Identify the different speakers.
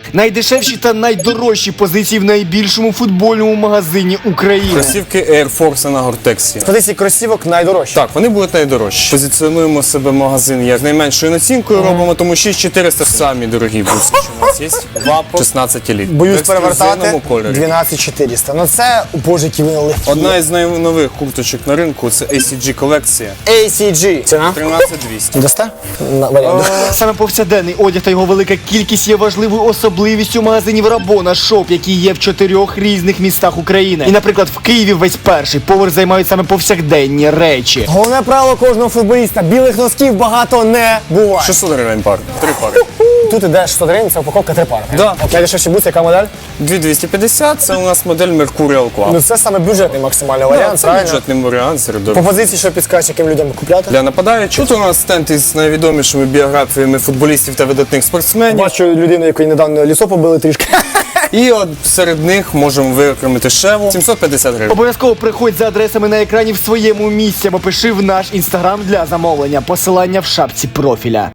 Speaker 1: Найдешевші та найдорожчі позиції в найбільшому футбольному магазині України.
Speaker 2: Кросівки Air Force на Гортексі.
Speaker 3: З позиції кросівок найдорожчі.
Speaker 2: Так, вони будуть найдорожчі. Позиціонуємо себе магазин як найменшою націнкою, робимо, тому 6400 самі дорогі бруски, що у нас є. Вапо 16 еліт.
Speaker 3: Боюсь
Speaker 2: В ексклюзивному
Speaker 3: перевертати
Speaker 2: кольорі.
Speaker 3: 12400. Ну це, боже, які вони легкі.
Speaker 2: Одна із найнових курточок на ринку – це ACG колекція.
Speaker 3: ACG. Ціна?
Speaker 2: 13200.
Speaker 3: Дасте? Варіант.
Speaker 1: Саме повсякденний одяг та його велика кількість є важливою особливістю магазинів Рабона Шоп, які є в 4 різних містах України. І, наприклад, в Києві весь перший поверх займають саме повсякденні речі.
Speaker 3: Головне правило кожного футболіста. Білих носків багато не буває.
Speaker 2: 600 гривень пар. 3 пари.
Speaker 3: Тут іде 600 гривень, це упаковка 3 пари.
Speaker 2: Да.
Speaker 3: Найдешевші бутси, яка модель?
Speaker 2: 2250 – це у нас модель Mercurial Club.
Speaker 3: Ну це саме бюджетний максимальний варіант,
Speaker 2: Це
Speaker 3: правильно?
Speaker 2: бюджетний варіант серед
Speaker 3: По
Speaker 2: дорог.
Speaker 3: позиції, що підскажеш, яким людям купляти?
Speaker 2: Для нападаючих. Тут у нас стенд із найвідомішими біографіями футболістів та видатних спортсменів.
Speaker 3: Бачу людину, якої недавно лісо побили трішки.
Speaker 2: І от серед них можемо виокремити Шеву. 750 гривень.
Speaker 1: Обов'язково приходь за адресами на екрані в своєму місці або пиши в наш інстаграм для замовлення. Посилання в шапці профіля.